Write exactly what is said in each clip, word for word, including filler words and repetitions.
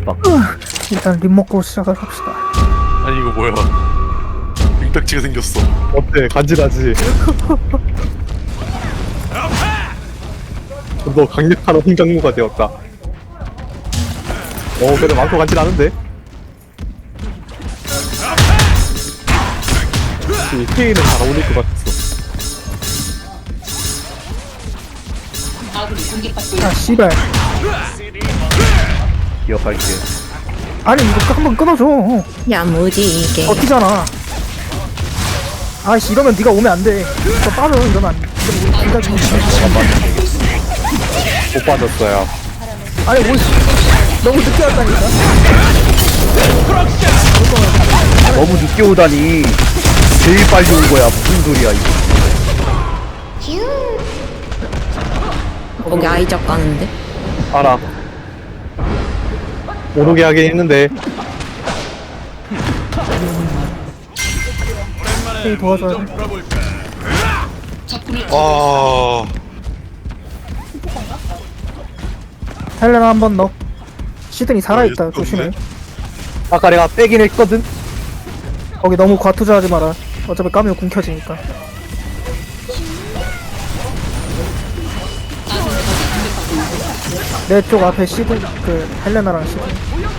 빡. 일단 립 먹고 시작을 합시다. 아니 이거 뭐야? 빙딱지가 생겼어. 어때? 간지나지? 너 강력한 홍장무가 되었다. 어, 그래도 많고 간지나는데? 이 페이는 잘 어울릴 것 같았어. 아 씨발. 기억할게. 아니 이거 한번 끊어줘. 야무지게. 버티잖아. 아이씨 이러면 네가 오면 안 돼. 너 빠져 이러면 안 돼. 이러면 우리 둘다 지금 못 빠졌어요. 아니 뭐 너무 늦게 왔다니까. 너무 늦게 오다니. 제일 빨리 온 거야. 무슨 소리야 이거. 거기 아이작 가는데. 알아. 못 오게 하긴 했는데. 헤이 도와줘야 돼. 아 헬레나 한 번 넣어. 시드니 살아있다. 아, 조심해. 아까 내가 빼긴 했거든? 거기 너무 과투자하지 마라. 어차피 까면 궁 켜지니까. 내 쪽 앞에 시드 그 헬레나랑 시드.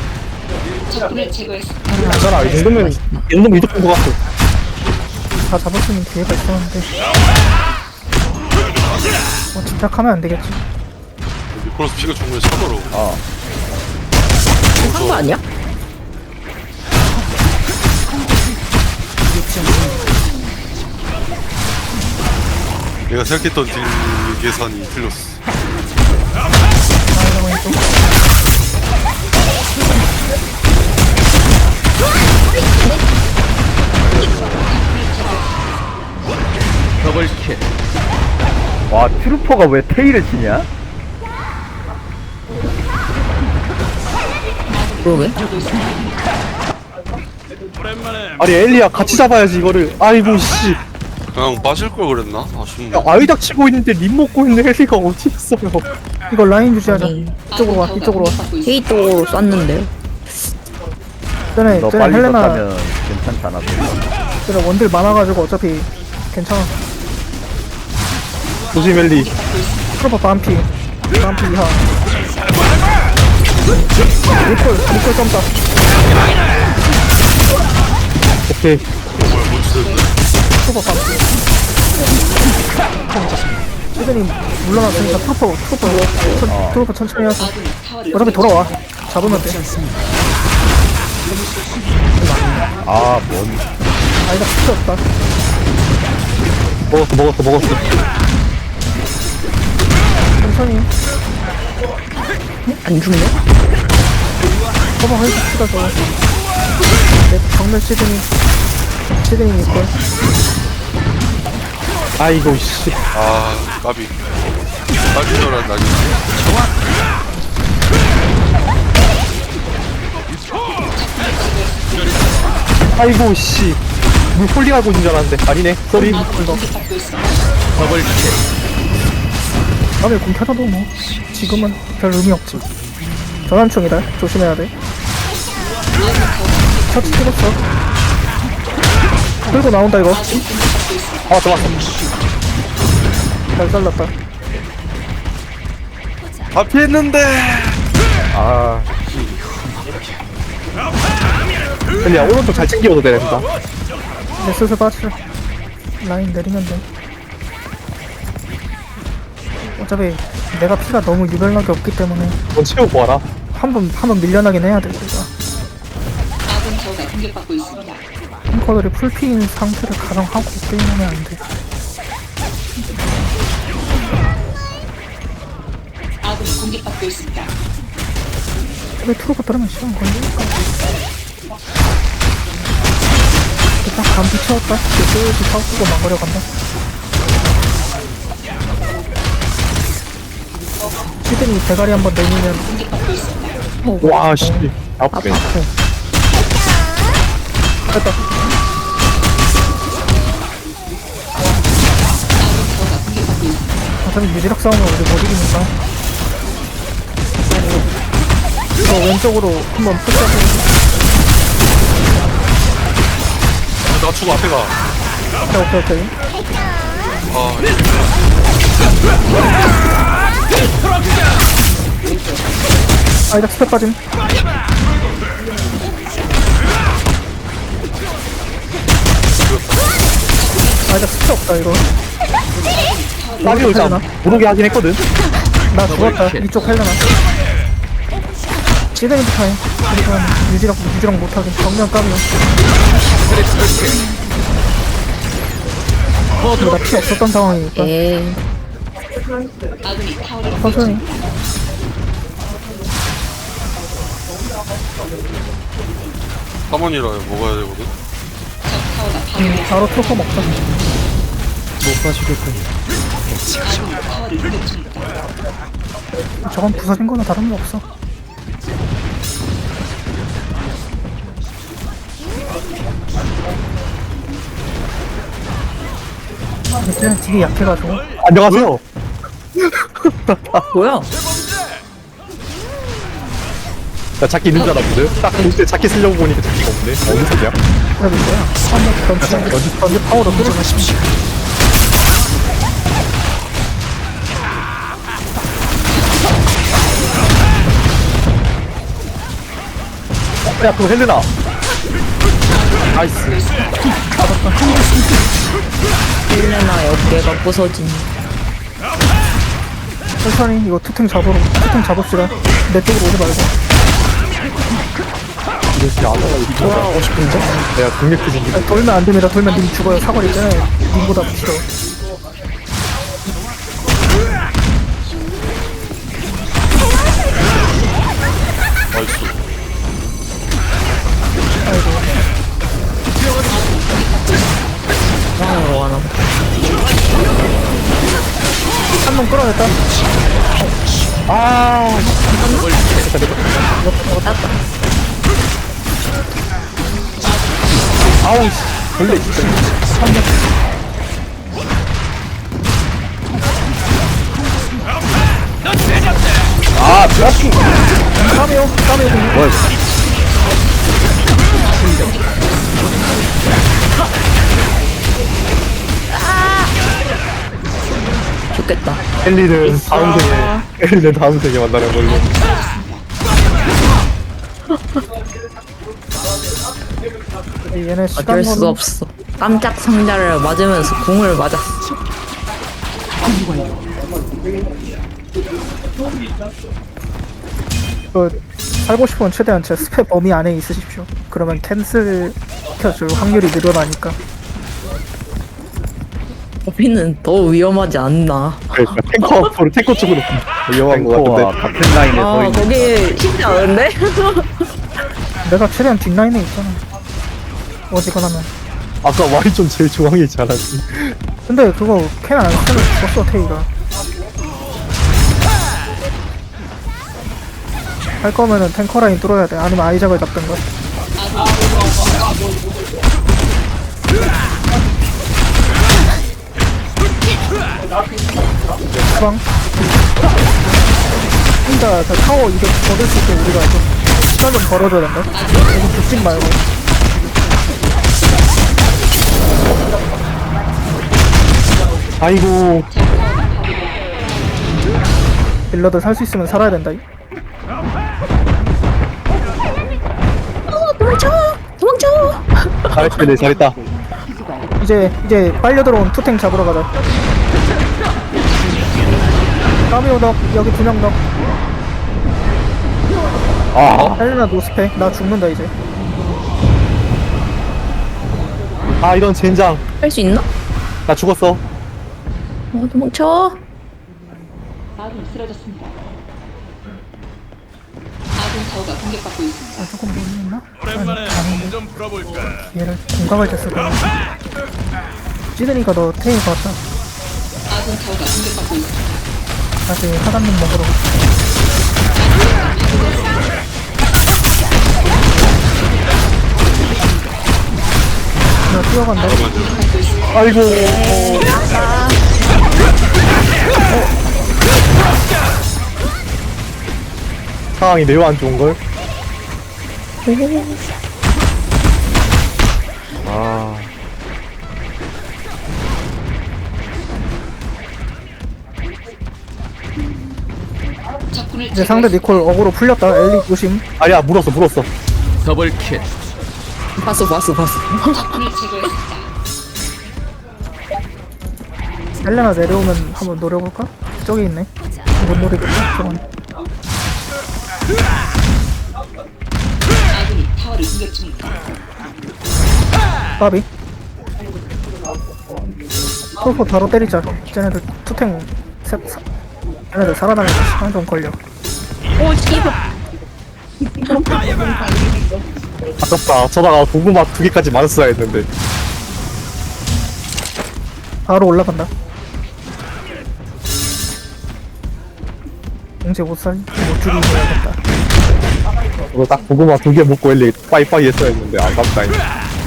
괜찮아. 이 정도면, 이 정도면 이득 본것 같아. 다 잡을 수 있는 기회가 있었는데. 뭐 집착하면 안 되겠지. 니콜라스 피가 정말 차더라고. 아. 한 거 아니야? 내가 생각했던 딜 계산이 틀렸어. 아, 왼쪽. 더블킬. 와 트루퍼가 왜 테일을 치냐? 그러게. 아니, 엘리야, 같이 잡아야지, 이거를. 아이고, 씨. 그냥 빠질 걸 그랬나? 아쉽네. 야, 아이작 치고 있는데 립 먹고 있는 엘리가 어디 있어요? 이거 라인 유지하자. 네. 이쪽으로 와. 이쪽으로 와. 헤이 쪽으로 쐈는데. 전에 너 전에 빨리 헬레나 썼다면 괜찮지 않았어. 전에 원딜 많아가지고 어차피 괜찮아. 조심, 엘리. 트로퍼 반피. 반피 이하. 리콜 리콜 점다. 오케이. 뭐야 뭔지 됐네. 트로퍼 반피. 시드니 물러났으니까 트로퍼 트로퍼 천, 트로퍼 천천히 하자. 어차피 돌아와. 잡으면 돼. 아 뭔. 아니다 필요 없다. 먹었어, 먹었어, 먹었어. 천천히. 안 죽네? 커버 해줍시다 저거. 내 정면 시드니. 시드니 리콜. 아이고, 씨. 아 까비. 까비 줄 알았나. 아이고, 씨. 물 홀링하고 있는 줄 알았는데. 아니네. 쏘리. 다음에 공 켜져도 뭐 지금은 별 의미 없지. 전환충이다. 조심해야 돼. 터치 찍었어. 끌고 나온다 이거. 아, 좋았어. 잘 잘랐다. 다 피했는데. 아 엘리야, 오른쪽 잘 챙겨도 돼, 된다. 이제 슬슬 빠지자. 라인 내리면 돼. 어차피 내가 피가 너무 유별나게 없기 때문에 넌 채우고 와라. 한 번 한 번 밀려나긴 해야 돼 우리가. 탱커들이 풀피인 상태를 가정하고 게임하면 안 돼. 왜 트로가 따르면 시간 걸리니까. 일단 감기 채웠다. 이제 슬슬 사고고 막으려 간다. 시드니 대가리 한번 내리면 와, 씨. 아프네. 됐다. 어차피 유지력 싸움은 우리 못 이기니까. 이거 왼쪽으로 한번 푸시하고. 나 죽어 앞에 가. 오케이, 오케이, 오케이. 아, 아, 이제 스텝 빠짐. 아, 이제 스텝 없다, 이거. 나비 올자 헬레나? 모르게 하긴 했거든. 나 죽었다. 이쪽 헬레나. 시드니부터 해. 그리고 유지랑, 유지랑 못하게. 정면 까비요. 근데 나 피 없었던 상황이니까. 에이. 천천히. 사원이라 먹어야 되거든. 음, 바로 트로퍼 먹자. 못 봐주겠군. 저건 부서진 거나 다른 거 없어. 이제 되게 약해가지고. 안녕하세요. 뭐야? 나 자키 있는 줄 알았거든. 딱 볼 때 자키 쓰려고 보니까 자키가 없네. 어느 소리야? 그래도 있어요. 한번 던지, 던지, 던지 파워로 뚫어주십시오. 야, 그거 헬레나. 나이스. 헬레나의 어깨가 부서진. 천천히 이거 투탱 잡으러, 투탱 잡읍시다. 내 쪽으로 오지 말고. 이거 진짜 안 나가. 돌아가고 싶은데? 내가 강력히 생긴. 아니, 돌면 안 됩니다. 돌면 님 죽어요. 사거리 있잖아요. 님보다 싫어. 나이스. 중앙으로 가나 보다. 한 놈 끌어냈다. 아. 땄다. 아우 씨. 벌레 진짜. 아, 트라킹! 까메오, 까메오. 뭐야, 좋겠다. 엘리는 다음 생에 엘리는 다음 생에 만나는 걸로. 얘네 시간 어쩔 수 거는 없어. 깜짝 상자를 맞으면서 궁을 맞았어. 그 살고 싶으면 최대한 제 스펙 범위 안에 있으십시오. 그러면 캔슬 켜줄 확률이 늘어나니까. 거기는 더 위험하지 않나. 그러니까 탱커 앞으로 탱커 쪽으로 위험한 거 탱커와 같은데. 같은 라인에 아, 서 있는. 거기 쉽지 않은데? 내가 최대한 뒷라인에 있잖아. 어지간하면. 아까 와이존 제일 중앙에 있지 않았지? 근데 그거 캔 안 쓰면 죽었어 테이가. 할 거면은 탱커 라인 뚫어야 돼. 아니면 아이작을 잡든가. 주방. 혼자 저 타워 이득 얻을 수 있게 우리가 좀 시간 좀 벌어줘야 된다. 여기 죽지 말고. 아이고. 딜러들 살 수 있으면 살아야 된다. 도망쳐! 도망쳐! 잘했네, 네, 잘했다. 이제 이제 빨려 들어온 투탱 잡으러 가자. 까미오 덕 여기 두 명 덕. 아, 헬레나 노스펙. 나 죽는다 이제. 아 이런 젠장. 할 수 있나? 나 죽었어. 어, 도망쳐! 아군이 쓰러졌습니다. 아군 타워가 공격받고 있습니다. 아 조금 모르겠나? 오랜만에 좀 풀어볼까. 얘를 공감할 때 쓰고. 찌드니까 너 테이 봤다. 아군 타워가 공격받고 있습니다. 다시 하단님 먹으러. 나 뛰어간다. 아이고. 상황이 매우 안 좋은걸? 아, 적군을 이제 상대 니콜 어그로 풀렸다. 엘리 조심. 아니야, 물었어, 물었어. 더블킬. 봤어 봤어 봤어. 적군을 제거했습니다. 헬레나 내려오면 한번 노려볼까? 저기 있네. 못 노리겠다. 저건. 아군이 타워를 공격 중입니다. 까비. 콜포 바로 때리자. 쟤네들 투탱 세, 사, 쟤네들 살아나는 데 시간 좀 걸려. 오 씨발. 아깝다. 저다가 고구마 두 개까지 맞았어야 했는데. 바로 올라간다. 공제 못 살, 못 줄이고 해야겠다. 그거 딱 고구마 두 개 먹고 엘리 빠이빠이 했어야 했는데 아깝다. 이거.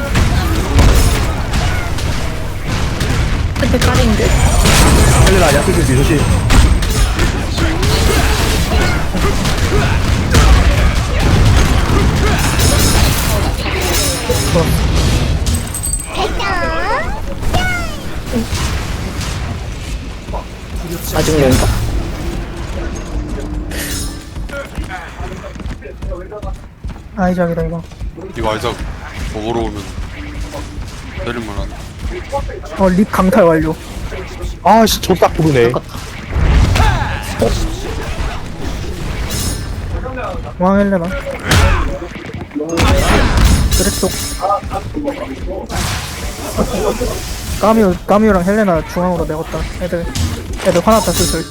근데 까린데. 헬레나 야스들 조심. 아직 뭔가. 아이작이다 이거. 이거 아이작 먹으러 오면 때릴만한. 어, 립 강탈 완료. 아씨, 저 딱 부르네. 왕 헬레나. 그래쪽. 까뮤, 까뮤랑 헬레나 중앙으로 내었다. 애들, 애들 화났다 슬슬.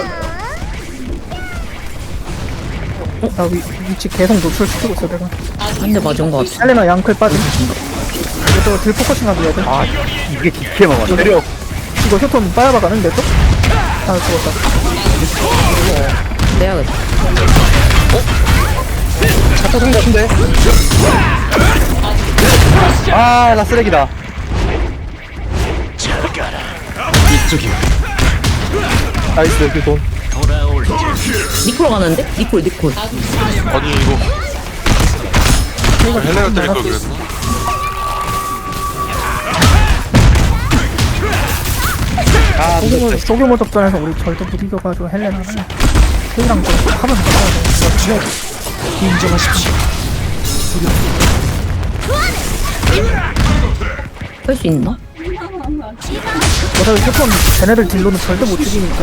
어? 나 위, 위치 계속 노출시키고 있어 내가. 한 대 맞은 거 같아. 헬레나 양클 빠짐. 이거 또 딜포커싱 하기 애들. 아, 이게 기캐 먹었네. 때려. 이거 휴톤 빠야바 가는데 또? 아 죽었다. 내야겠다. 잡다 준 거 같은데? 아, 나 쓰레기다. 나이스, 그 돈. 니콜 가는데? 니콜 니콜. 아니 이거 헬레가 때릴 걸 그랬나? 아, 소규모, 소규모 접전에서 우리 절대 못 이겨가지고 헬레나는 K랑 좀 하면 못하야 돼. 인정하십시오. 할 수 있나? 어차피 휴톤 쟤네들 딜로는 절대 못 죽이니까.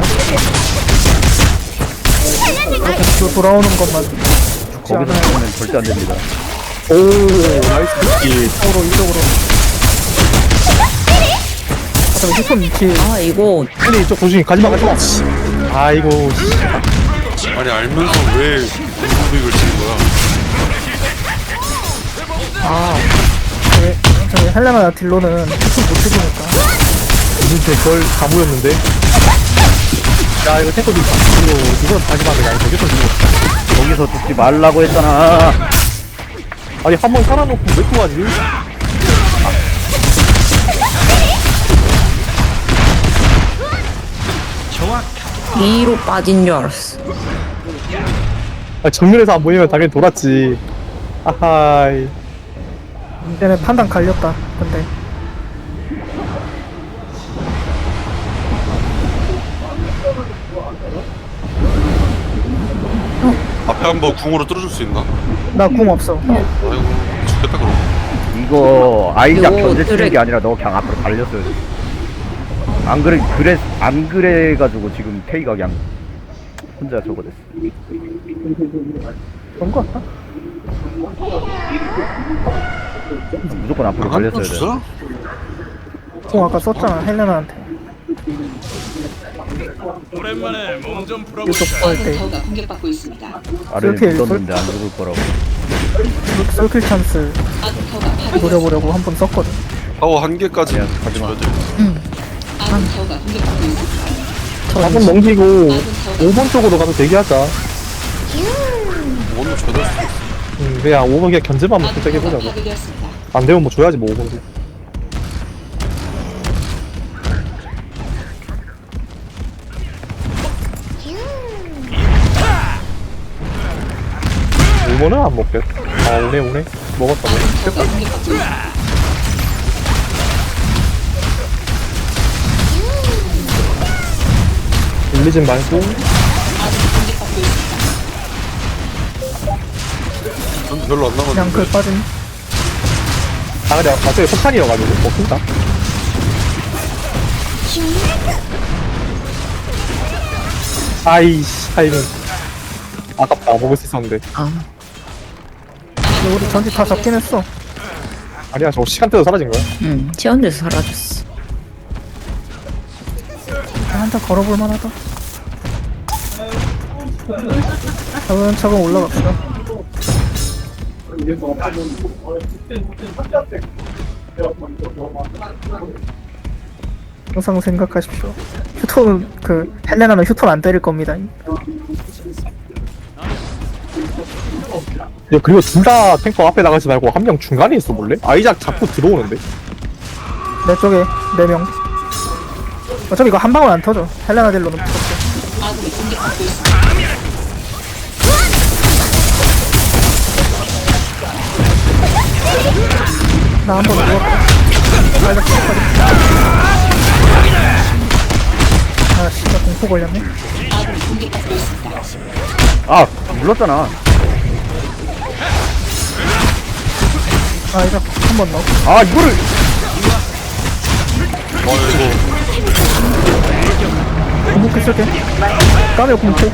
이렇게 뒤로 돌아오는 것만 죽지 거기서 않아요. 보면 절대 안 됩니다. 오, 나이스 키. 서로 이쪽으로. 어차피 휴톤 위치 아 이거 헬리 이쪽 조심히 가지마, 가지마. 아이고, 씨. 아니 알면서 왜 무빙을 치는 거야? 저기, 저기 헬레나 딜로는 휴톤 못 죽이니까. 진짜 그걸 다 모였는데. 야, 이거 탱커도 이거 이거 다시 만들자. 이거 저기서 죽어. 거기서 죽지 말라고 했잖아. 아니, 한 번 살아놓고 왜 또 하지? 뒤로 빠진 줄 알았어. 아, 정면에서 안 보이면 당연히 돌았지. 아하이. 얘네 판단 갈렸다. 근데 앞에 한번 궁으로 뚫어줄 수 있나? 나 궁 없어. 아이고 죽겠다 그럼. 이거 아이작 이거 견제 쓰는 드랙- 게 아니라 너 그냥 앞으로 달렸어야 돼. 안 그래, 그래, 안 그래가지고 지금 테이가 그냥 혼자 저거 됐어. 그런 거 같다. 무조건 앞으로 한번 달렸어야 돼. 주자? 궁 아까 썼잖아 헬레나한테. 오랜만에 몸 좀 풀어볼까? 이쪽 아군 할때 타워가 공격받고 있습니다. 아래를 이렇게 믿었는데 안 죽을 거라고. 서클 찬스 아군 타워가 파괴. 노려보려고 한 번 썼거든. 타워 한 개까지 야, 가지마. 줘야 돼. 아군 타워가 공격받고 있습니다. 사 번 넘기고 오 번 쪽으로 가서 대기하자. 오늘 줘야 돼. 음, 그냥 오 번 그냥 견제만 아군 먹고 타워가 세게 보자고. 파괴되었습니다. 안 되면 뭐 줘야지 뭐 오 번도. 이거는 안 먹겠. 아 오네 오네. 먹었다 먹었다. 아군타워가 공격받고 있습니다. 울리진 말고. 아군이 공격받고 있습니다. 전 별로 안 그냥 남았는데. 그 빠진. 아 근데 갑자기 폭탄이어가지고 먹힌다. 아이씨 타이밍. 아깝다 먹을 수 있었는데. 아, 근데 우리 전지 다 잡긴 했어. 아니야 저거 시간대도 사라진 거야. 응. 체온에서 사라졌어. 한타 걸어볼 만하다. 차근차근 올라갑시다. 항상 생각하십시오. 휴톤 그 헬레나는 휴톤 안 때릴 겁니다. 야, 그리고 둘 다 탱커 앞에 나가지 말고 한 명 중간에 있어 볼래? 아이작 자꾸 들어오는데. 내 쪽에 네 명. 어차피 이거 한 방울 안 터져. 헬레나 딜로는 터져. 아군이 공격받고 있습니다. 나 한 번 누웠다. 빨리 시작하자. 아 진짜 공포 걸렸네. 아군이 공격받고 있습니다. 아 눌렀잖아. 아 이제 한 번 넣어. 아 이거를 아 이거 공포 쓸게. 까메오 공포.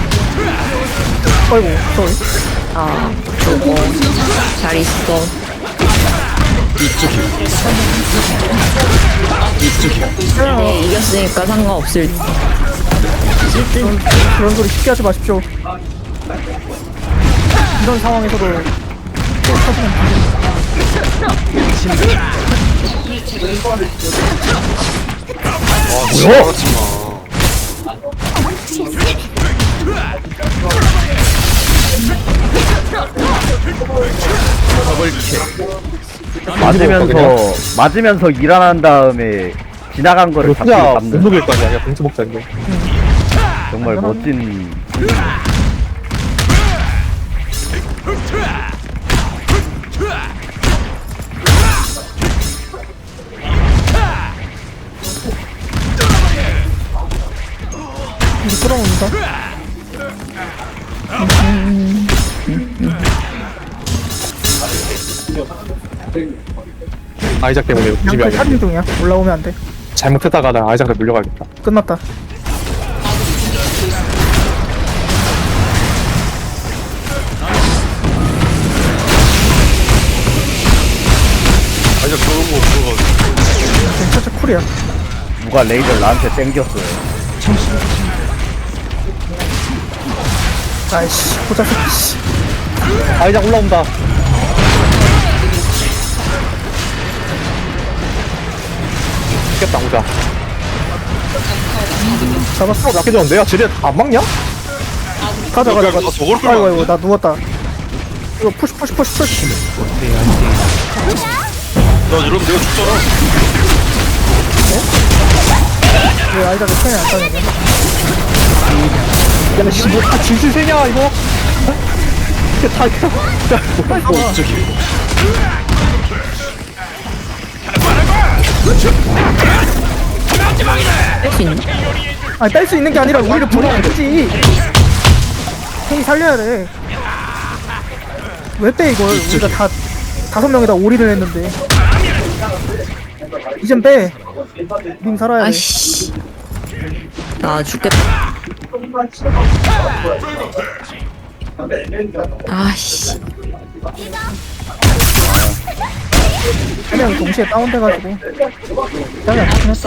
아이고 쏘리. 아, 저거. 잘 있어. 네, 이겼으니까 상관없을 듯. 그런, 그런 소리 쉽게 하지 마십시오. 이런 상황에서도 또 터지면 적군을 제거했습니다. 아 진짜 말하지 마. 맞으면서 맞으면서 일어난 다음에 지나간 거를 이거 잡기 진짜 못 잡는 녹일 거 아니야. 동수 먹자인데. 정말 멋진. 이제 끌어온다. 아이작 때문에 집이 양클 아니야. 살인 중이야. 올라오면 안 돼. 잘못했다가 나 아이작한테 물려가야겠다. 끝났다. 아이작 저런 거 없어가지고. 괜찮죠 쿨이야. 누가 레이저를 나한테 땡겼어요. 아이씨 보자 새끼 씨. 아이작 올라온다. 죽겠다 오자. 잡았어. 약해졌는데 야 쟤네 안 막냐? 가자 가자 가자. 아, 저걸 끌면 아이고 안 아이고 돼? 나 누웠다. 이거 푸시 푸시 푸시 푸시. 나 이러면 내가 죽잖아. 왜 아이작이 편이 안 따느냐? 야씨 뭐다 질질 세냐 이거? 이게 다 뺄 수 있나? 아니 뺄 수 있는 게 아니라 우리를 보내면 되지. 형이 살려야 돼. 왜 빼 이걸? 우리가 다 다섯 명에다 올인을 했는데. 이젠 빼. 님 살아야 돼. 아이씨. 나 죽겠다. 아이씨. 세 명이 동시에 다운돼가지고 짱이 안 좋긴 했어.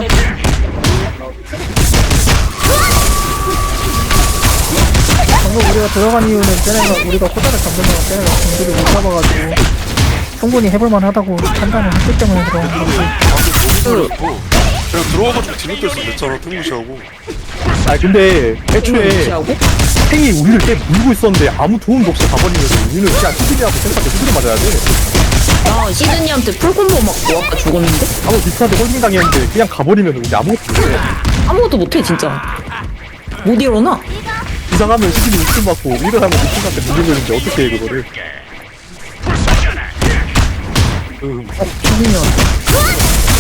방금 우리가 들어간 이유는 쟤네가 우리가 호자를 잡는 거가 쟤네가 공들을 못 잡아가지고 충분히 해볼만 하다고 판단을 했기 때문에 들어간 거지. 방금 너무 그냥 들어와가지고 뒤늦게 서 됐잖아. 뜬무시하고. 아 근데 애초에 탱이 우리를 꽤 물고 있었는데 아무 도움도 없이 가버리면서 우리는 그냥 스킬이라고 생각하고 스킬을 맞아야 돼. 나 시드니한테 풀콤보 맞고 아까 죽었는데? 아무 비슷한데 홀딩 당했는데 그냥 가버리면 우리 아무것도 못해. 아무것도 못해 진짜. 못 일어나. 이상하면 시즌이 웃음 받고 일어나면 웃음한테 물리고 있는데 어떻게 해 그거를? 음, 성민이 왔다.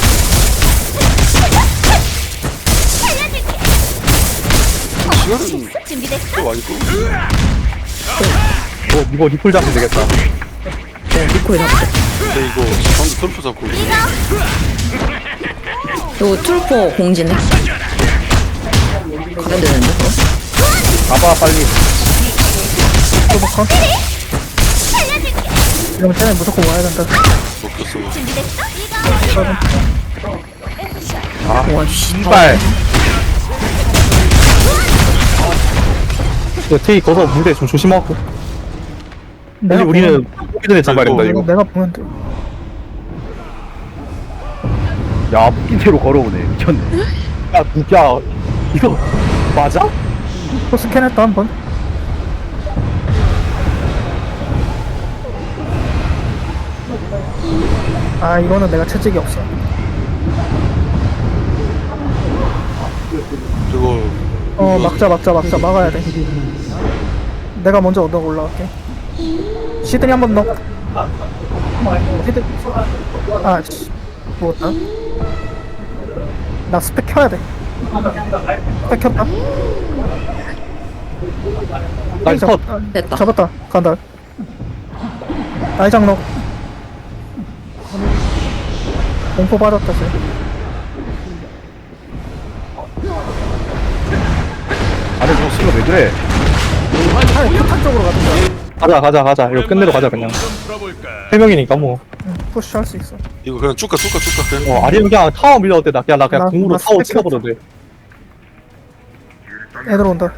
시간은 꽤 많이 끌고 어 이거 리플 잡으면 되겠다. 네, 리콜 잡자. 근데 이거 방금 털프 잡고 이거 툴포 공지네. 가야 되는데, 그거? 가봐 빨리. 또박한 이러면 쟤네 무조건 와야 된다. 먹혔어. 와, 씨. 이발. 이거 테이 거서 무대 좀 조심하고. 내가 빨리 우리는 보면, 오기 전에 잡아야 된다 이거 이거. 내가 보면 돼. 야 묶인 채로 걸어오네. 미쳤네. 야, 야, 이거 맞아? 또 스캔했다 한 번. 아 이거는 내가 채찍이 없어. 저거 어 막자 막자 막자 막아야 돼. 내가 먼저 얻어 올라갈게. 시드니 한 번 넣어. 시드. 아 씨. 먹었다. 나 스펙 켜야 돼. 스펙 켰다. 나이스 컷. 아, 됐다. 잡았다. 간다. 나이장 넣어. 공포 받았다 쟤. 아니 저 수가 왜 그래? 차라리 포탄 쪽으로 가든가. 가자, 가자, 가자. 이거 끝내러 가자 그냥. 좀 풀어볼까? 세 명이니까 뭐. 응, 푸시 할 수 있어. 이거 그냥 쭉가 쭉가 쭉가 그냥 어, 아니면 그냥 타워 밀려도 돼. 나 그냥 나 그냥 나- 궁으로 나 타워 스펙 찍어버려도 돼. 애들 온다.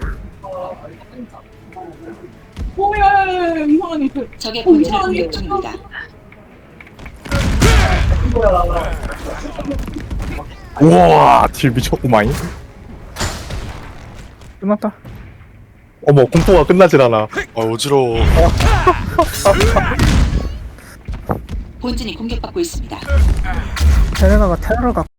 적의 본질을 공격 중입니다. 우와, 딜 미쳤구만. 끝났다. 어머, 공포가 끝나질 않아. 아 어지러워. 본진이 공격받고 있습니다. 쟤네가 테러가